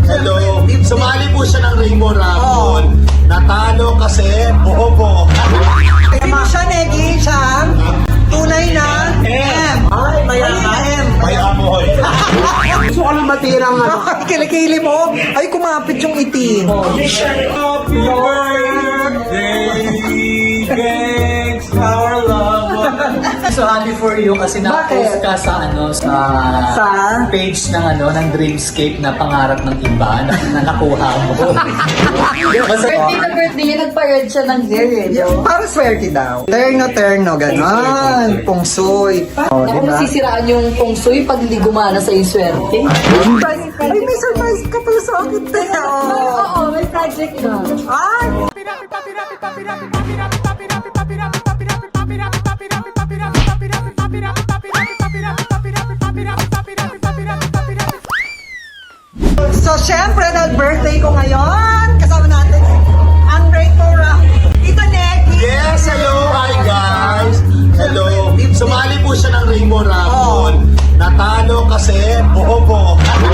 Hello. Sumali po siya ng Rainbow Raffle. Natalo kasi bobo. Hindi siya, Negi, siya. Tunay na M. Ay, mayaman. M. May amoy. Gusto ko lang matirang ano. Kilikili mo. Ay, kumapit yung itim. Happy birthday, thanks our love. So happy for you kasi na-post ka sa Sa? page ng Dreamscape na pangarap ng iba na nakuha mo. Birthday na birthday niya, nagpa-red siya ng hair eh. Para swerte daw. Terno, gano'n. Pungsoy. Oh, Ako diba? masisiraan yung feng shui pag hindi gumana sa yung swerte. Ay, may surprise ka pala sa akin, te. Oo, may project na. Ay! So, syempre, dahil birthday ko ngayon, kasama natin ang Rainbow Raffle. Ito, Negi. Yes, hello. Hi, guys. Hello. Sumali po siya ng Rainbow Raffle. Natalo kasi bobo.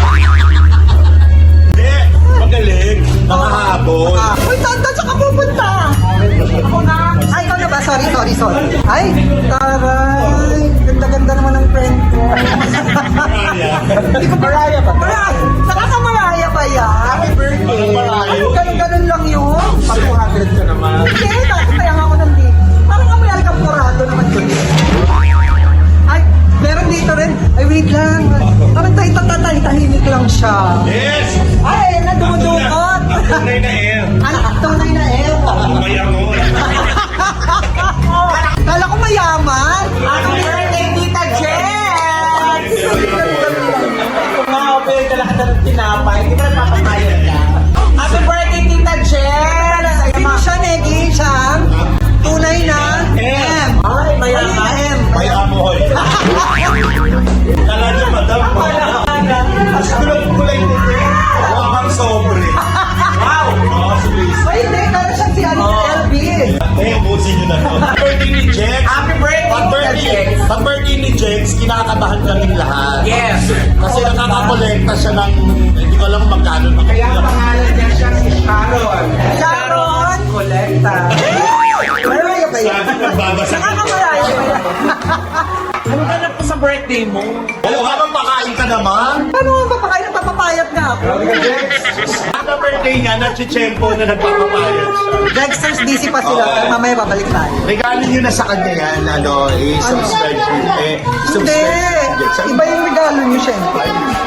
Hindi. Magaling. Nakahabol. Uy, tanda, tsaka pupunta. Ako na. Ay, ikaw na ba? Sorry. Ay, taray. Ganda-ganda naman ng friend ko. Hindi ko Maraya ba? Nakakamaraya ba yan? Happy birthday. Ganun lang yun. Pag 200 ka naman. Hindi, dati kaya nga ako nandito. Parang amoy alcampurado naman yun. Ay, meron dito rin. Ay, wait lang. Parang tahimik lang siya. Yes. Ay, nadumudukot. Tunay na air. Ano? Tunay na Mayangon. Kala ko mayaman. Happy birthday, Tita Jen! Kumapil ka lahat ng tinapay, hindi mo nagpapapayag ka. Happy birthday, Tita Jen! Hindi siya, Negi, siya. Tunay na M. Ay, mayaman. M. May amoy. Kala niyo, madam. Mas kulay nito. Wakang sobre. Wow. Ay, hindi. Kala siya si LB. Busin niyo na to. Birthday ni Jex. Happy birthday, Pag birthday ni Jex, kinakabahan kaming lahat. Yes. Kasi nakakakolekta siya ng, hindi ko alam kung magkano. Kaya ang pangalan niya siya si Sharon. Sharon! Collecta. Maraya ba yan? Nagbabasa. Nakakamaraya ba yan? Ano ka na po sa birthday mo? Oo, habang pakain ka naman. Paano mo ba pakain ng papapayat na ako? Ang birthday niya, nag-chempo na nagpapapayat siya. Dexter's busy pa sila. Pero mamaya babalik tayo. Regalo niyo na sa kanya yan, subscribe niyo. Hindi. subscribe. Iba yung regalo niyo, syempre.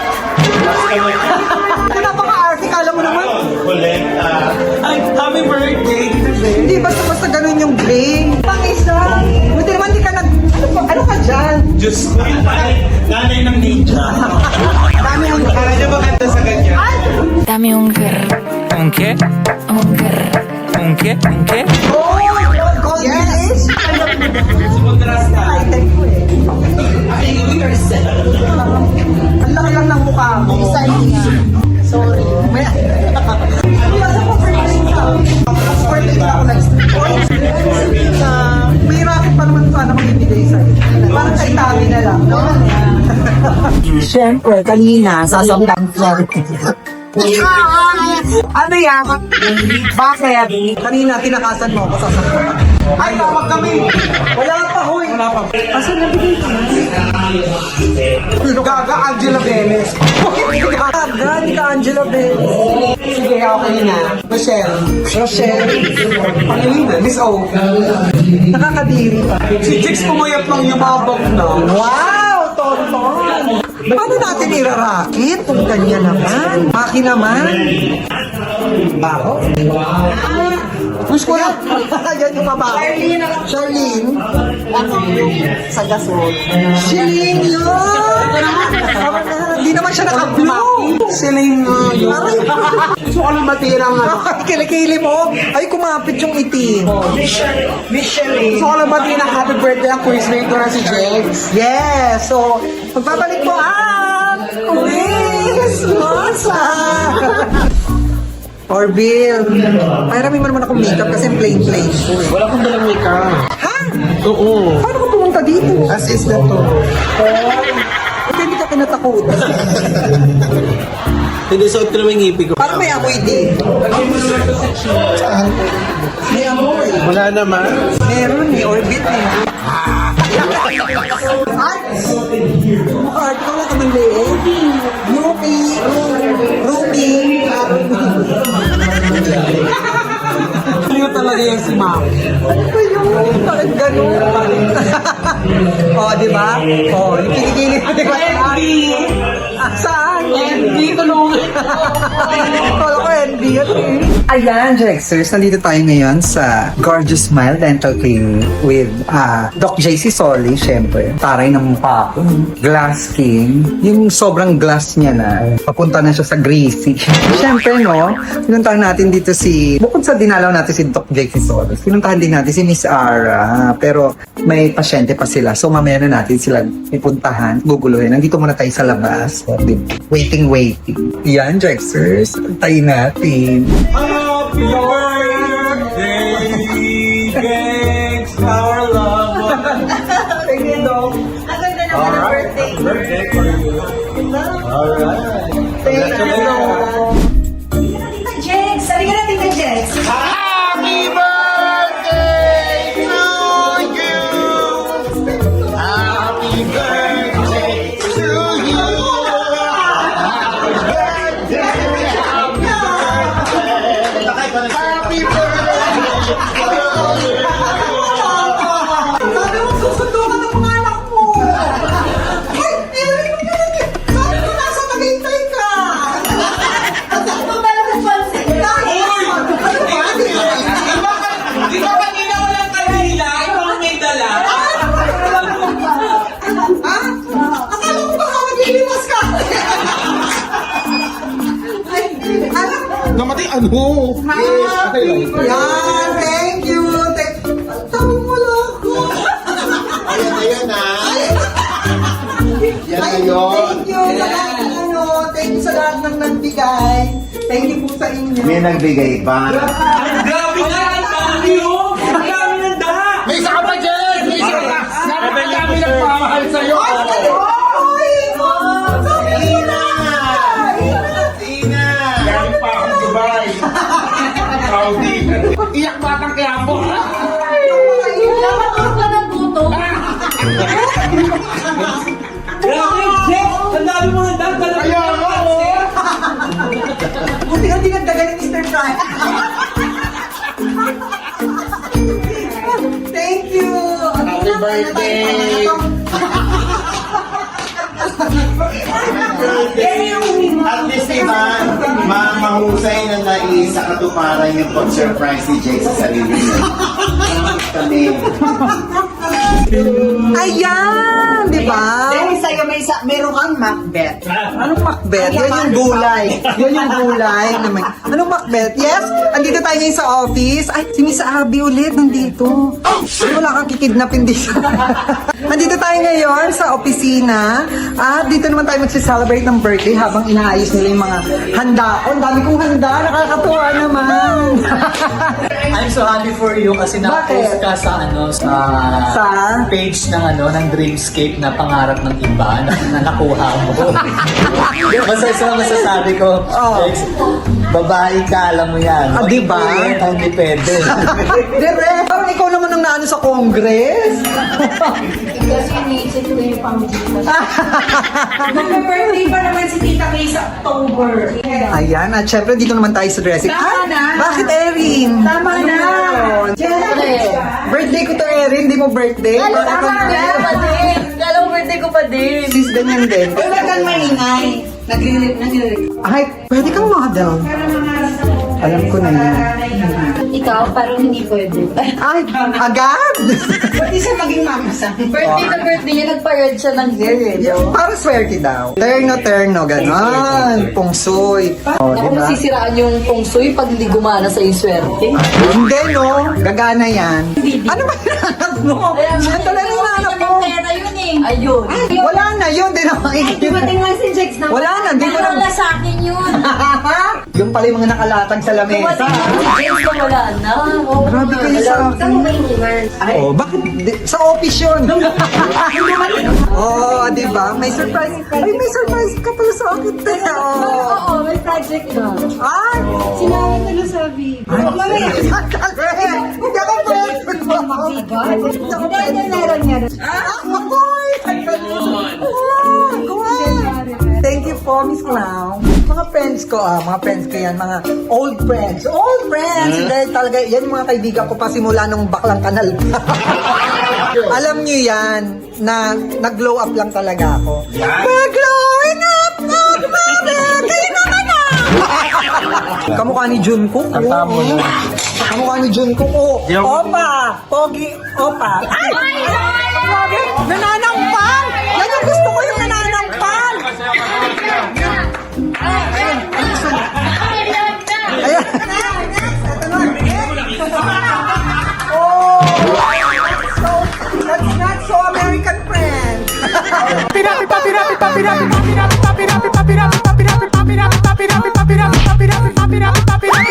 Ito napaka-arte. Kala mo naman. Kolekta. Ay, happy birthday. Hindi, basta ganun yung bling. Pang-isa. Buti naman di ka nag... Ano ka dyan? Diyos ko, nanay ng ninja. Dami ang... Kala niya maganda sa ganyan. Dame un qué. ¿Un qué? Un qué. ¿Un qué? ¿Un qué? Oh, gold village. Kontrasta. Item ko eh. Ang laki lang ng mukha mo. Design niya. Sorry. May... Nasa po birthday ka. Birthday ka ako may racket pa naman sana magbibigay sa'yo. Parang kay Tami na lang. No? Siyempre, kanina, sasaktan ko. Ano yan? Bakit? Kanina, tinakasan mo ako sa sakot. Ay, tawag kami. Wala pa, huy. Wala pa. Asa na bigay ka? Gaga Angela Benes. Gaga, di ka Angela Bell. Sige, okay na. Michelle. Rochelle. Pangilina, Miss O. Nakakadiri pa. Si Jix pumayat ng yumabog na. Wow, Tonton. Paano natin irarakit kung ganyan naman? Maki naman. Baho? Push ko lang. Yan yung mabaho. Charlene. Sa gasol. Charlene yun! Hindi naman siya naka-blue. Siling yun. Gusto ko lang matirang ano. Kilikili mo. Ay, kumapit yung itim. Gusto ko lang matirang happy birthday ang quizmate ko na si Jex. Yes! So, magbabalik po ang quiz! Masa! Orville, ay rami mo naman akong makeup kasi plain. Wala kong dalang makeup. Ha? Oo. Paano ka pumunta dito? As is na to. Hindi ka kinatakutan. Hindi, suot ko naman yung ngipin ko. Parang may amoy din. May amoy. Wala naman. Meron eh, orbit eh. Mukha ko na naman liit. Ruby. Cute talaga yung si Ma'am. Ayun, parang ganun. Oh, di ba? Oh, yung kinikili ko, di ba? Saan? Hindi tulungan. Kala ko, hindi. Ayan, Jexers, nandito tayo ngayon sa Gorgeous Smile Dental Clinic with Doc JC Soli, syempre. Taray ng mukha ko. Glass skin. Yung sobrang glass niya na. Papunta na siya sa greasy. Syempre, no? Pinuntahan natin dito bukod sa dinalaw natin si Doc JC Soli, pinuntahan din natin si Miss Ara. Pero may pasyente pa sila. So, mamaya na natin sila ipuntahan. Guguluhin. Nandito muna tayo sa labas. Waiting. Yan, Jexers. Tayo natin. Happy birthday, thanks, our love. Thank you, Doc. Ang ganda naman ng birthday. Birthday for you. Alright. Thank you, Doc. Tita Jex! Sabi ka na, Tita Jex! Happy birthday to you. Happy birthday to you. Happy birthday. Happy birthday. Sabi mo, susundo ka ng mga anak mo. Ay, sabi ko, nasa naghintay ka. Ano ba lang ang pansin? Di ba kanina walang kanila? Ikaw ang may dala. Akala ko baka magliliwas ka. Ay, anak mo. Namatay ano? Yan, thank you. Tawag mo lang ako. Ayan na. Yan Ay, na yun. thank you sa lahat ng thank you sa lahat ng nagbigay. Thank you po sa inyo. May nagbigay ba? Grabe na! Ang dami oh! Ang dami ng daha! May isa ka pa dyan! May isa ka! Napakadami nagpamahal sa'yo! Ay, sabi ko na. Tina! Galing pa akong Dubai! Saudi! Iyak batang kaya po! Dapat ako ka ng buto. Grabe, Jeff! Ang dami mo ng daha! Kaya nga oh! Buti ka dinagdagan ni Mr. Fry. Thank you. Happy birthday! At least diba, mahusay na naisa katuparan yung pag-surprise ni Jake sa sarili niya. Kami. Ayan, di ba? Dahil sa'yo meron kang Macbeth. Anong Macbeth? Yan yung gulay. Yan yung gulay. Anong Macbeth? Yes, andito tayo ngayon sa office. Ay, si Miss Abby ulit nandito. Ay, wala kang kikidnapin dito. Andito tayo ngayon sa opisina. At dito naman tayo magsi-celebrate ng birthday habang inaayos nila yung mga handa. Oh, ang dami kong handa. Nakakatuwa naman. I'm so happy for you kasi na-post ka sa Sa? page ng Dreamscape na pangarap ng iba na nakuha mo. Masasabi ko, Oh. Ex, babae ka, alam mo yan. Ah, di ba? Hindi pwede. Direk, parang ikaw naman ang naano sa Congress. Kasi iniisip ko yung pang-butas. Mag-birthday pa naman si Tita May sa October. Ayan, at syempre dito naman tayo sa dressing. Tama na. Bakit Erin? Tama Ano na. meron? Siyempre. Birthday ko to Erin, di mo birthday? Ano Bakit tama ang- na pa din? Alam mo, birthday ko pa din. Sis, ganyan din. Huwag kang maingay. Nagre-record. Ay, pwede kang model. Alam ko na yan. Ikaw, parang hindi pwede. Ay, agad? Pwede siya maging mamasang. Birthday na birthday niya, nagpa-red siya ng hair eh. Para swerte daw. Terno, gano'n. Pungsoy. Oh, Ako di ba? masisiraan yung feng shui pag hindi gumana sa yung swerte. Hindi, no? Gagana yan. Ano ba hinahanap mo? Yan talaga yung hinahanap mo. pera yun eh. Ayun. Wala na yun. Di na makikita. Dumating lang si Jex na Wala na, di ko na- Wala sa akin yun. Doon pala yung mga nakalatag sa lamesa. James na wala na. Oh, Grabe kayo sa akin. Saan mo ba iniwan? Oh, bakit? Sa office yun. Oh, di ba? May surprise. Ay, may surprise ka pala sa akin. Oh. Oo, may project na. Ay! Sinabi ko na sa video. Mamaya. Hindi ako pwede. Hindi, meron nga. Akoy! Thank you po, Miss Clown. Mga friends ko, mga friends ko yan, mga old friends. Old friends! Dahil talaga, yan yung mga kaibigan ko pa simula nung baklang kanal. Alam niyo yan, na nag-glow up lang talaga ako. Mag-glowing up, mother! Kayo naman na! Kamukha ni Junkook. Kamukha ni Junkook. Opa! Pogi, opa. Ay! Grabe! Nananampal! Yan yung gusto ko, yung nananampal! Ayan. Oh! That's not so American friend. Papi,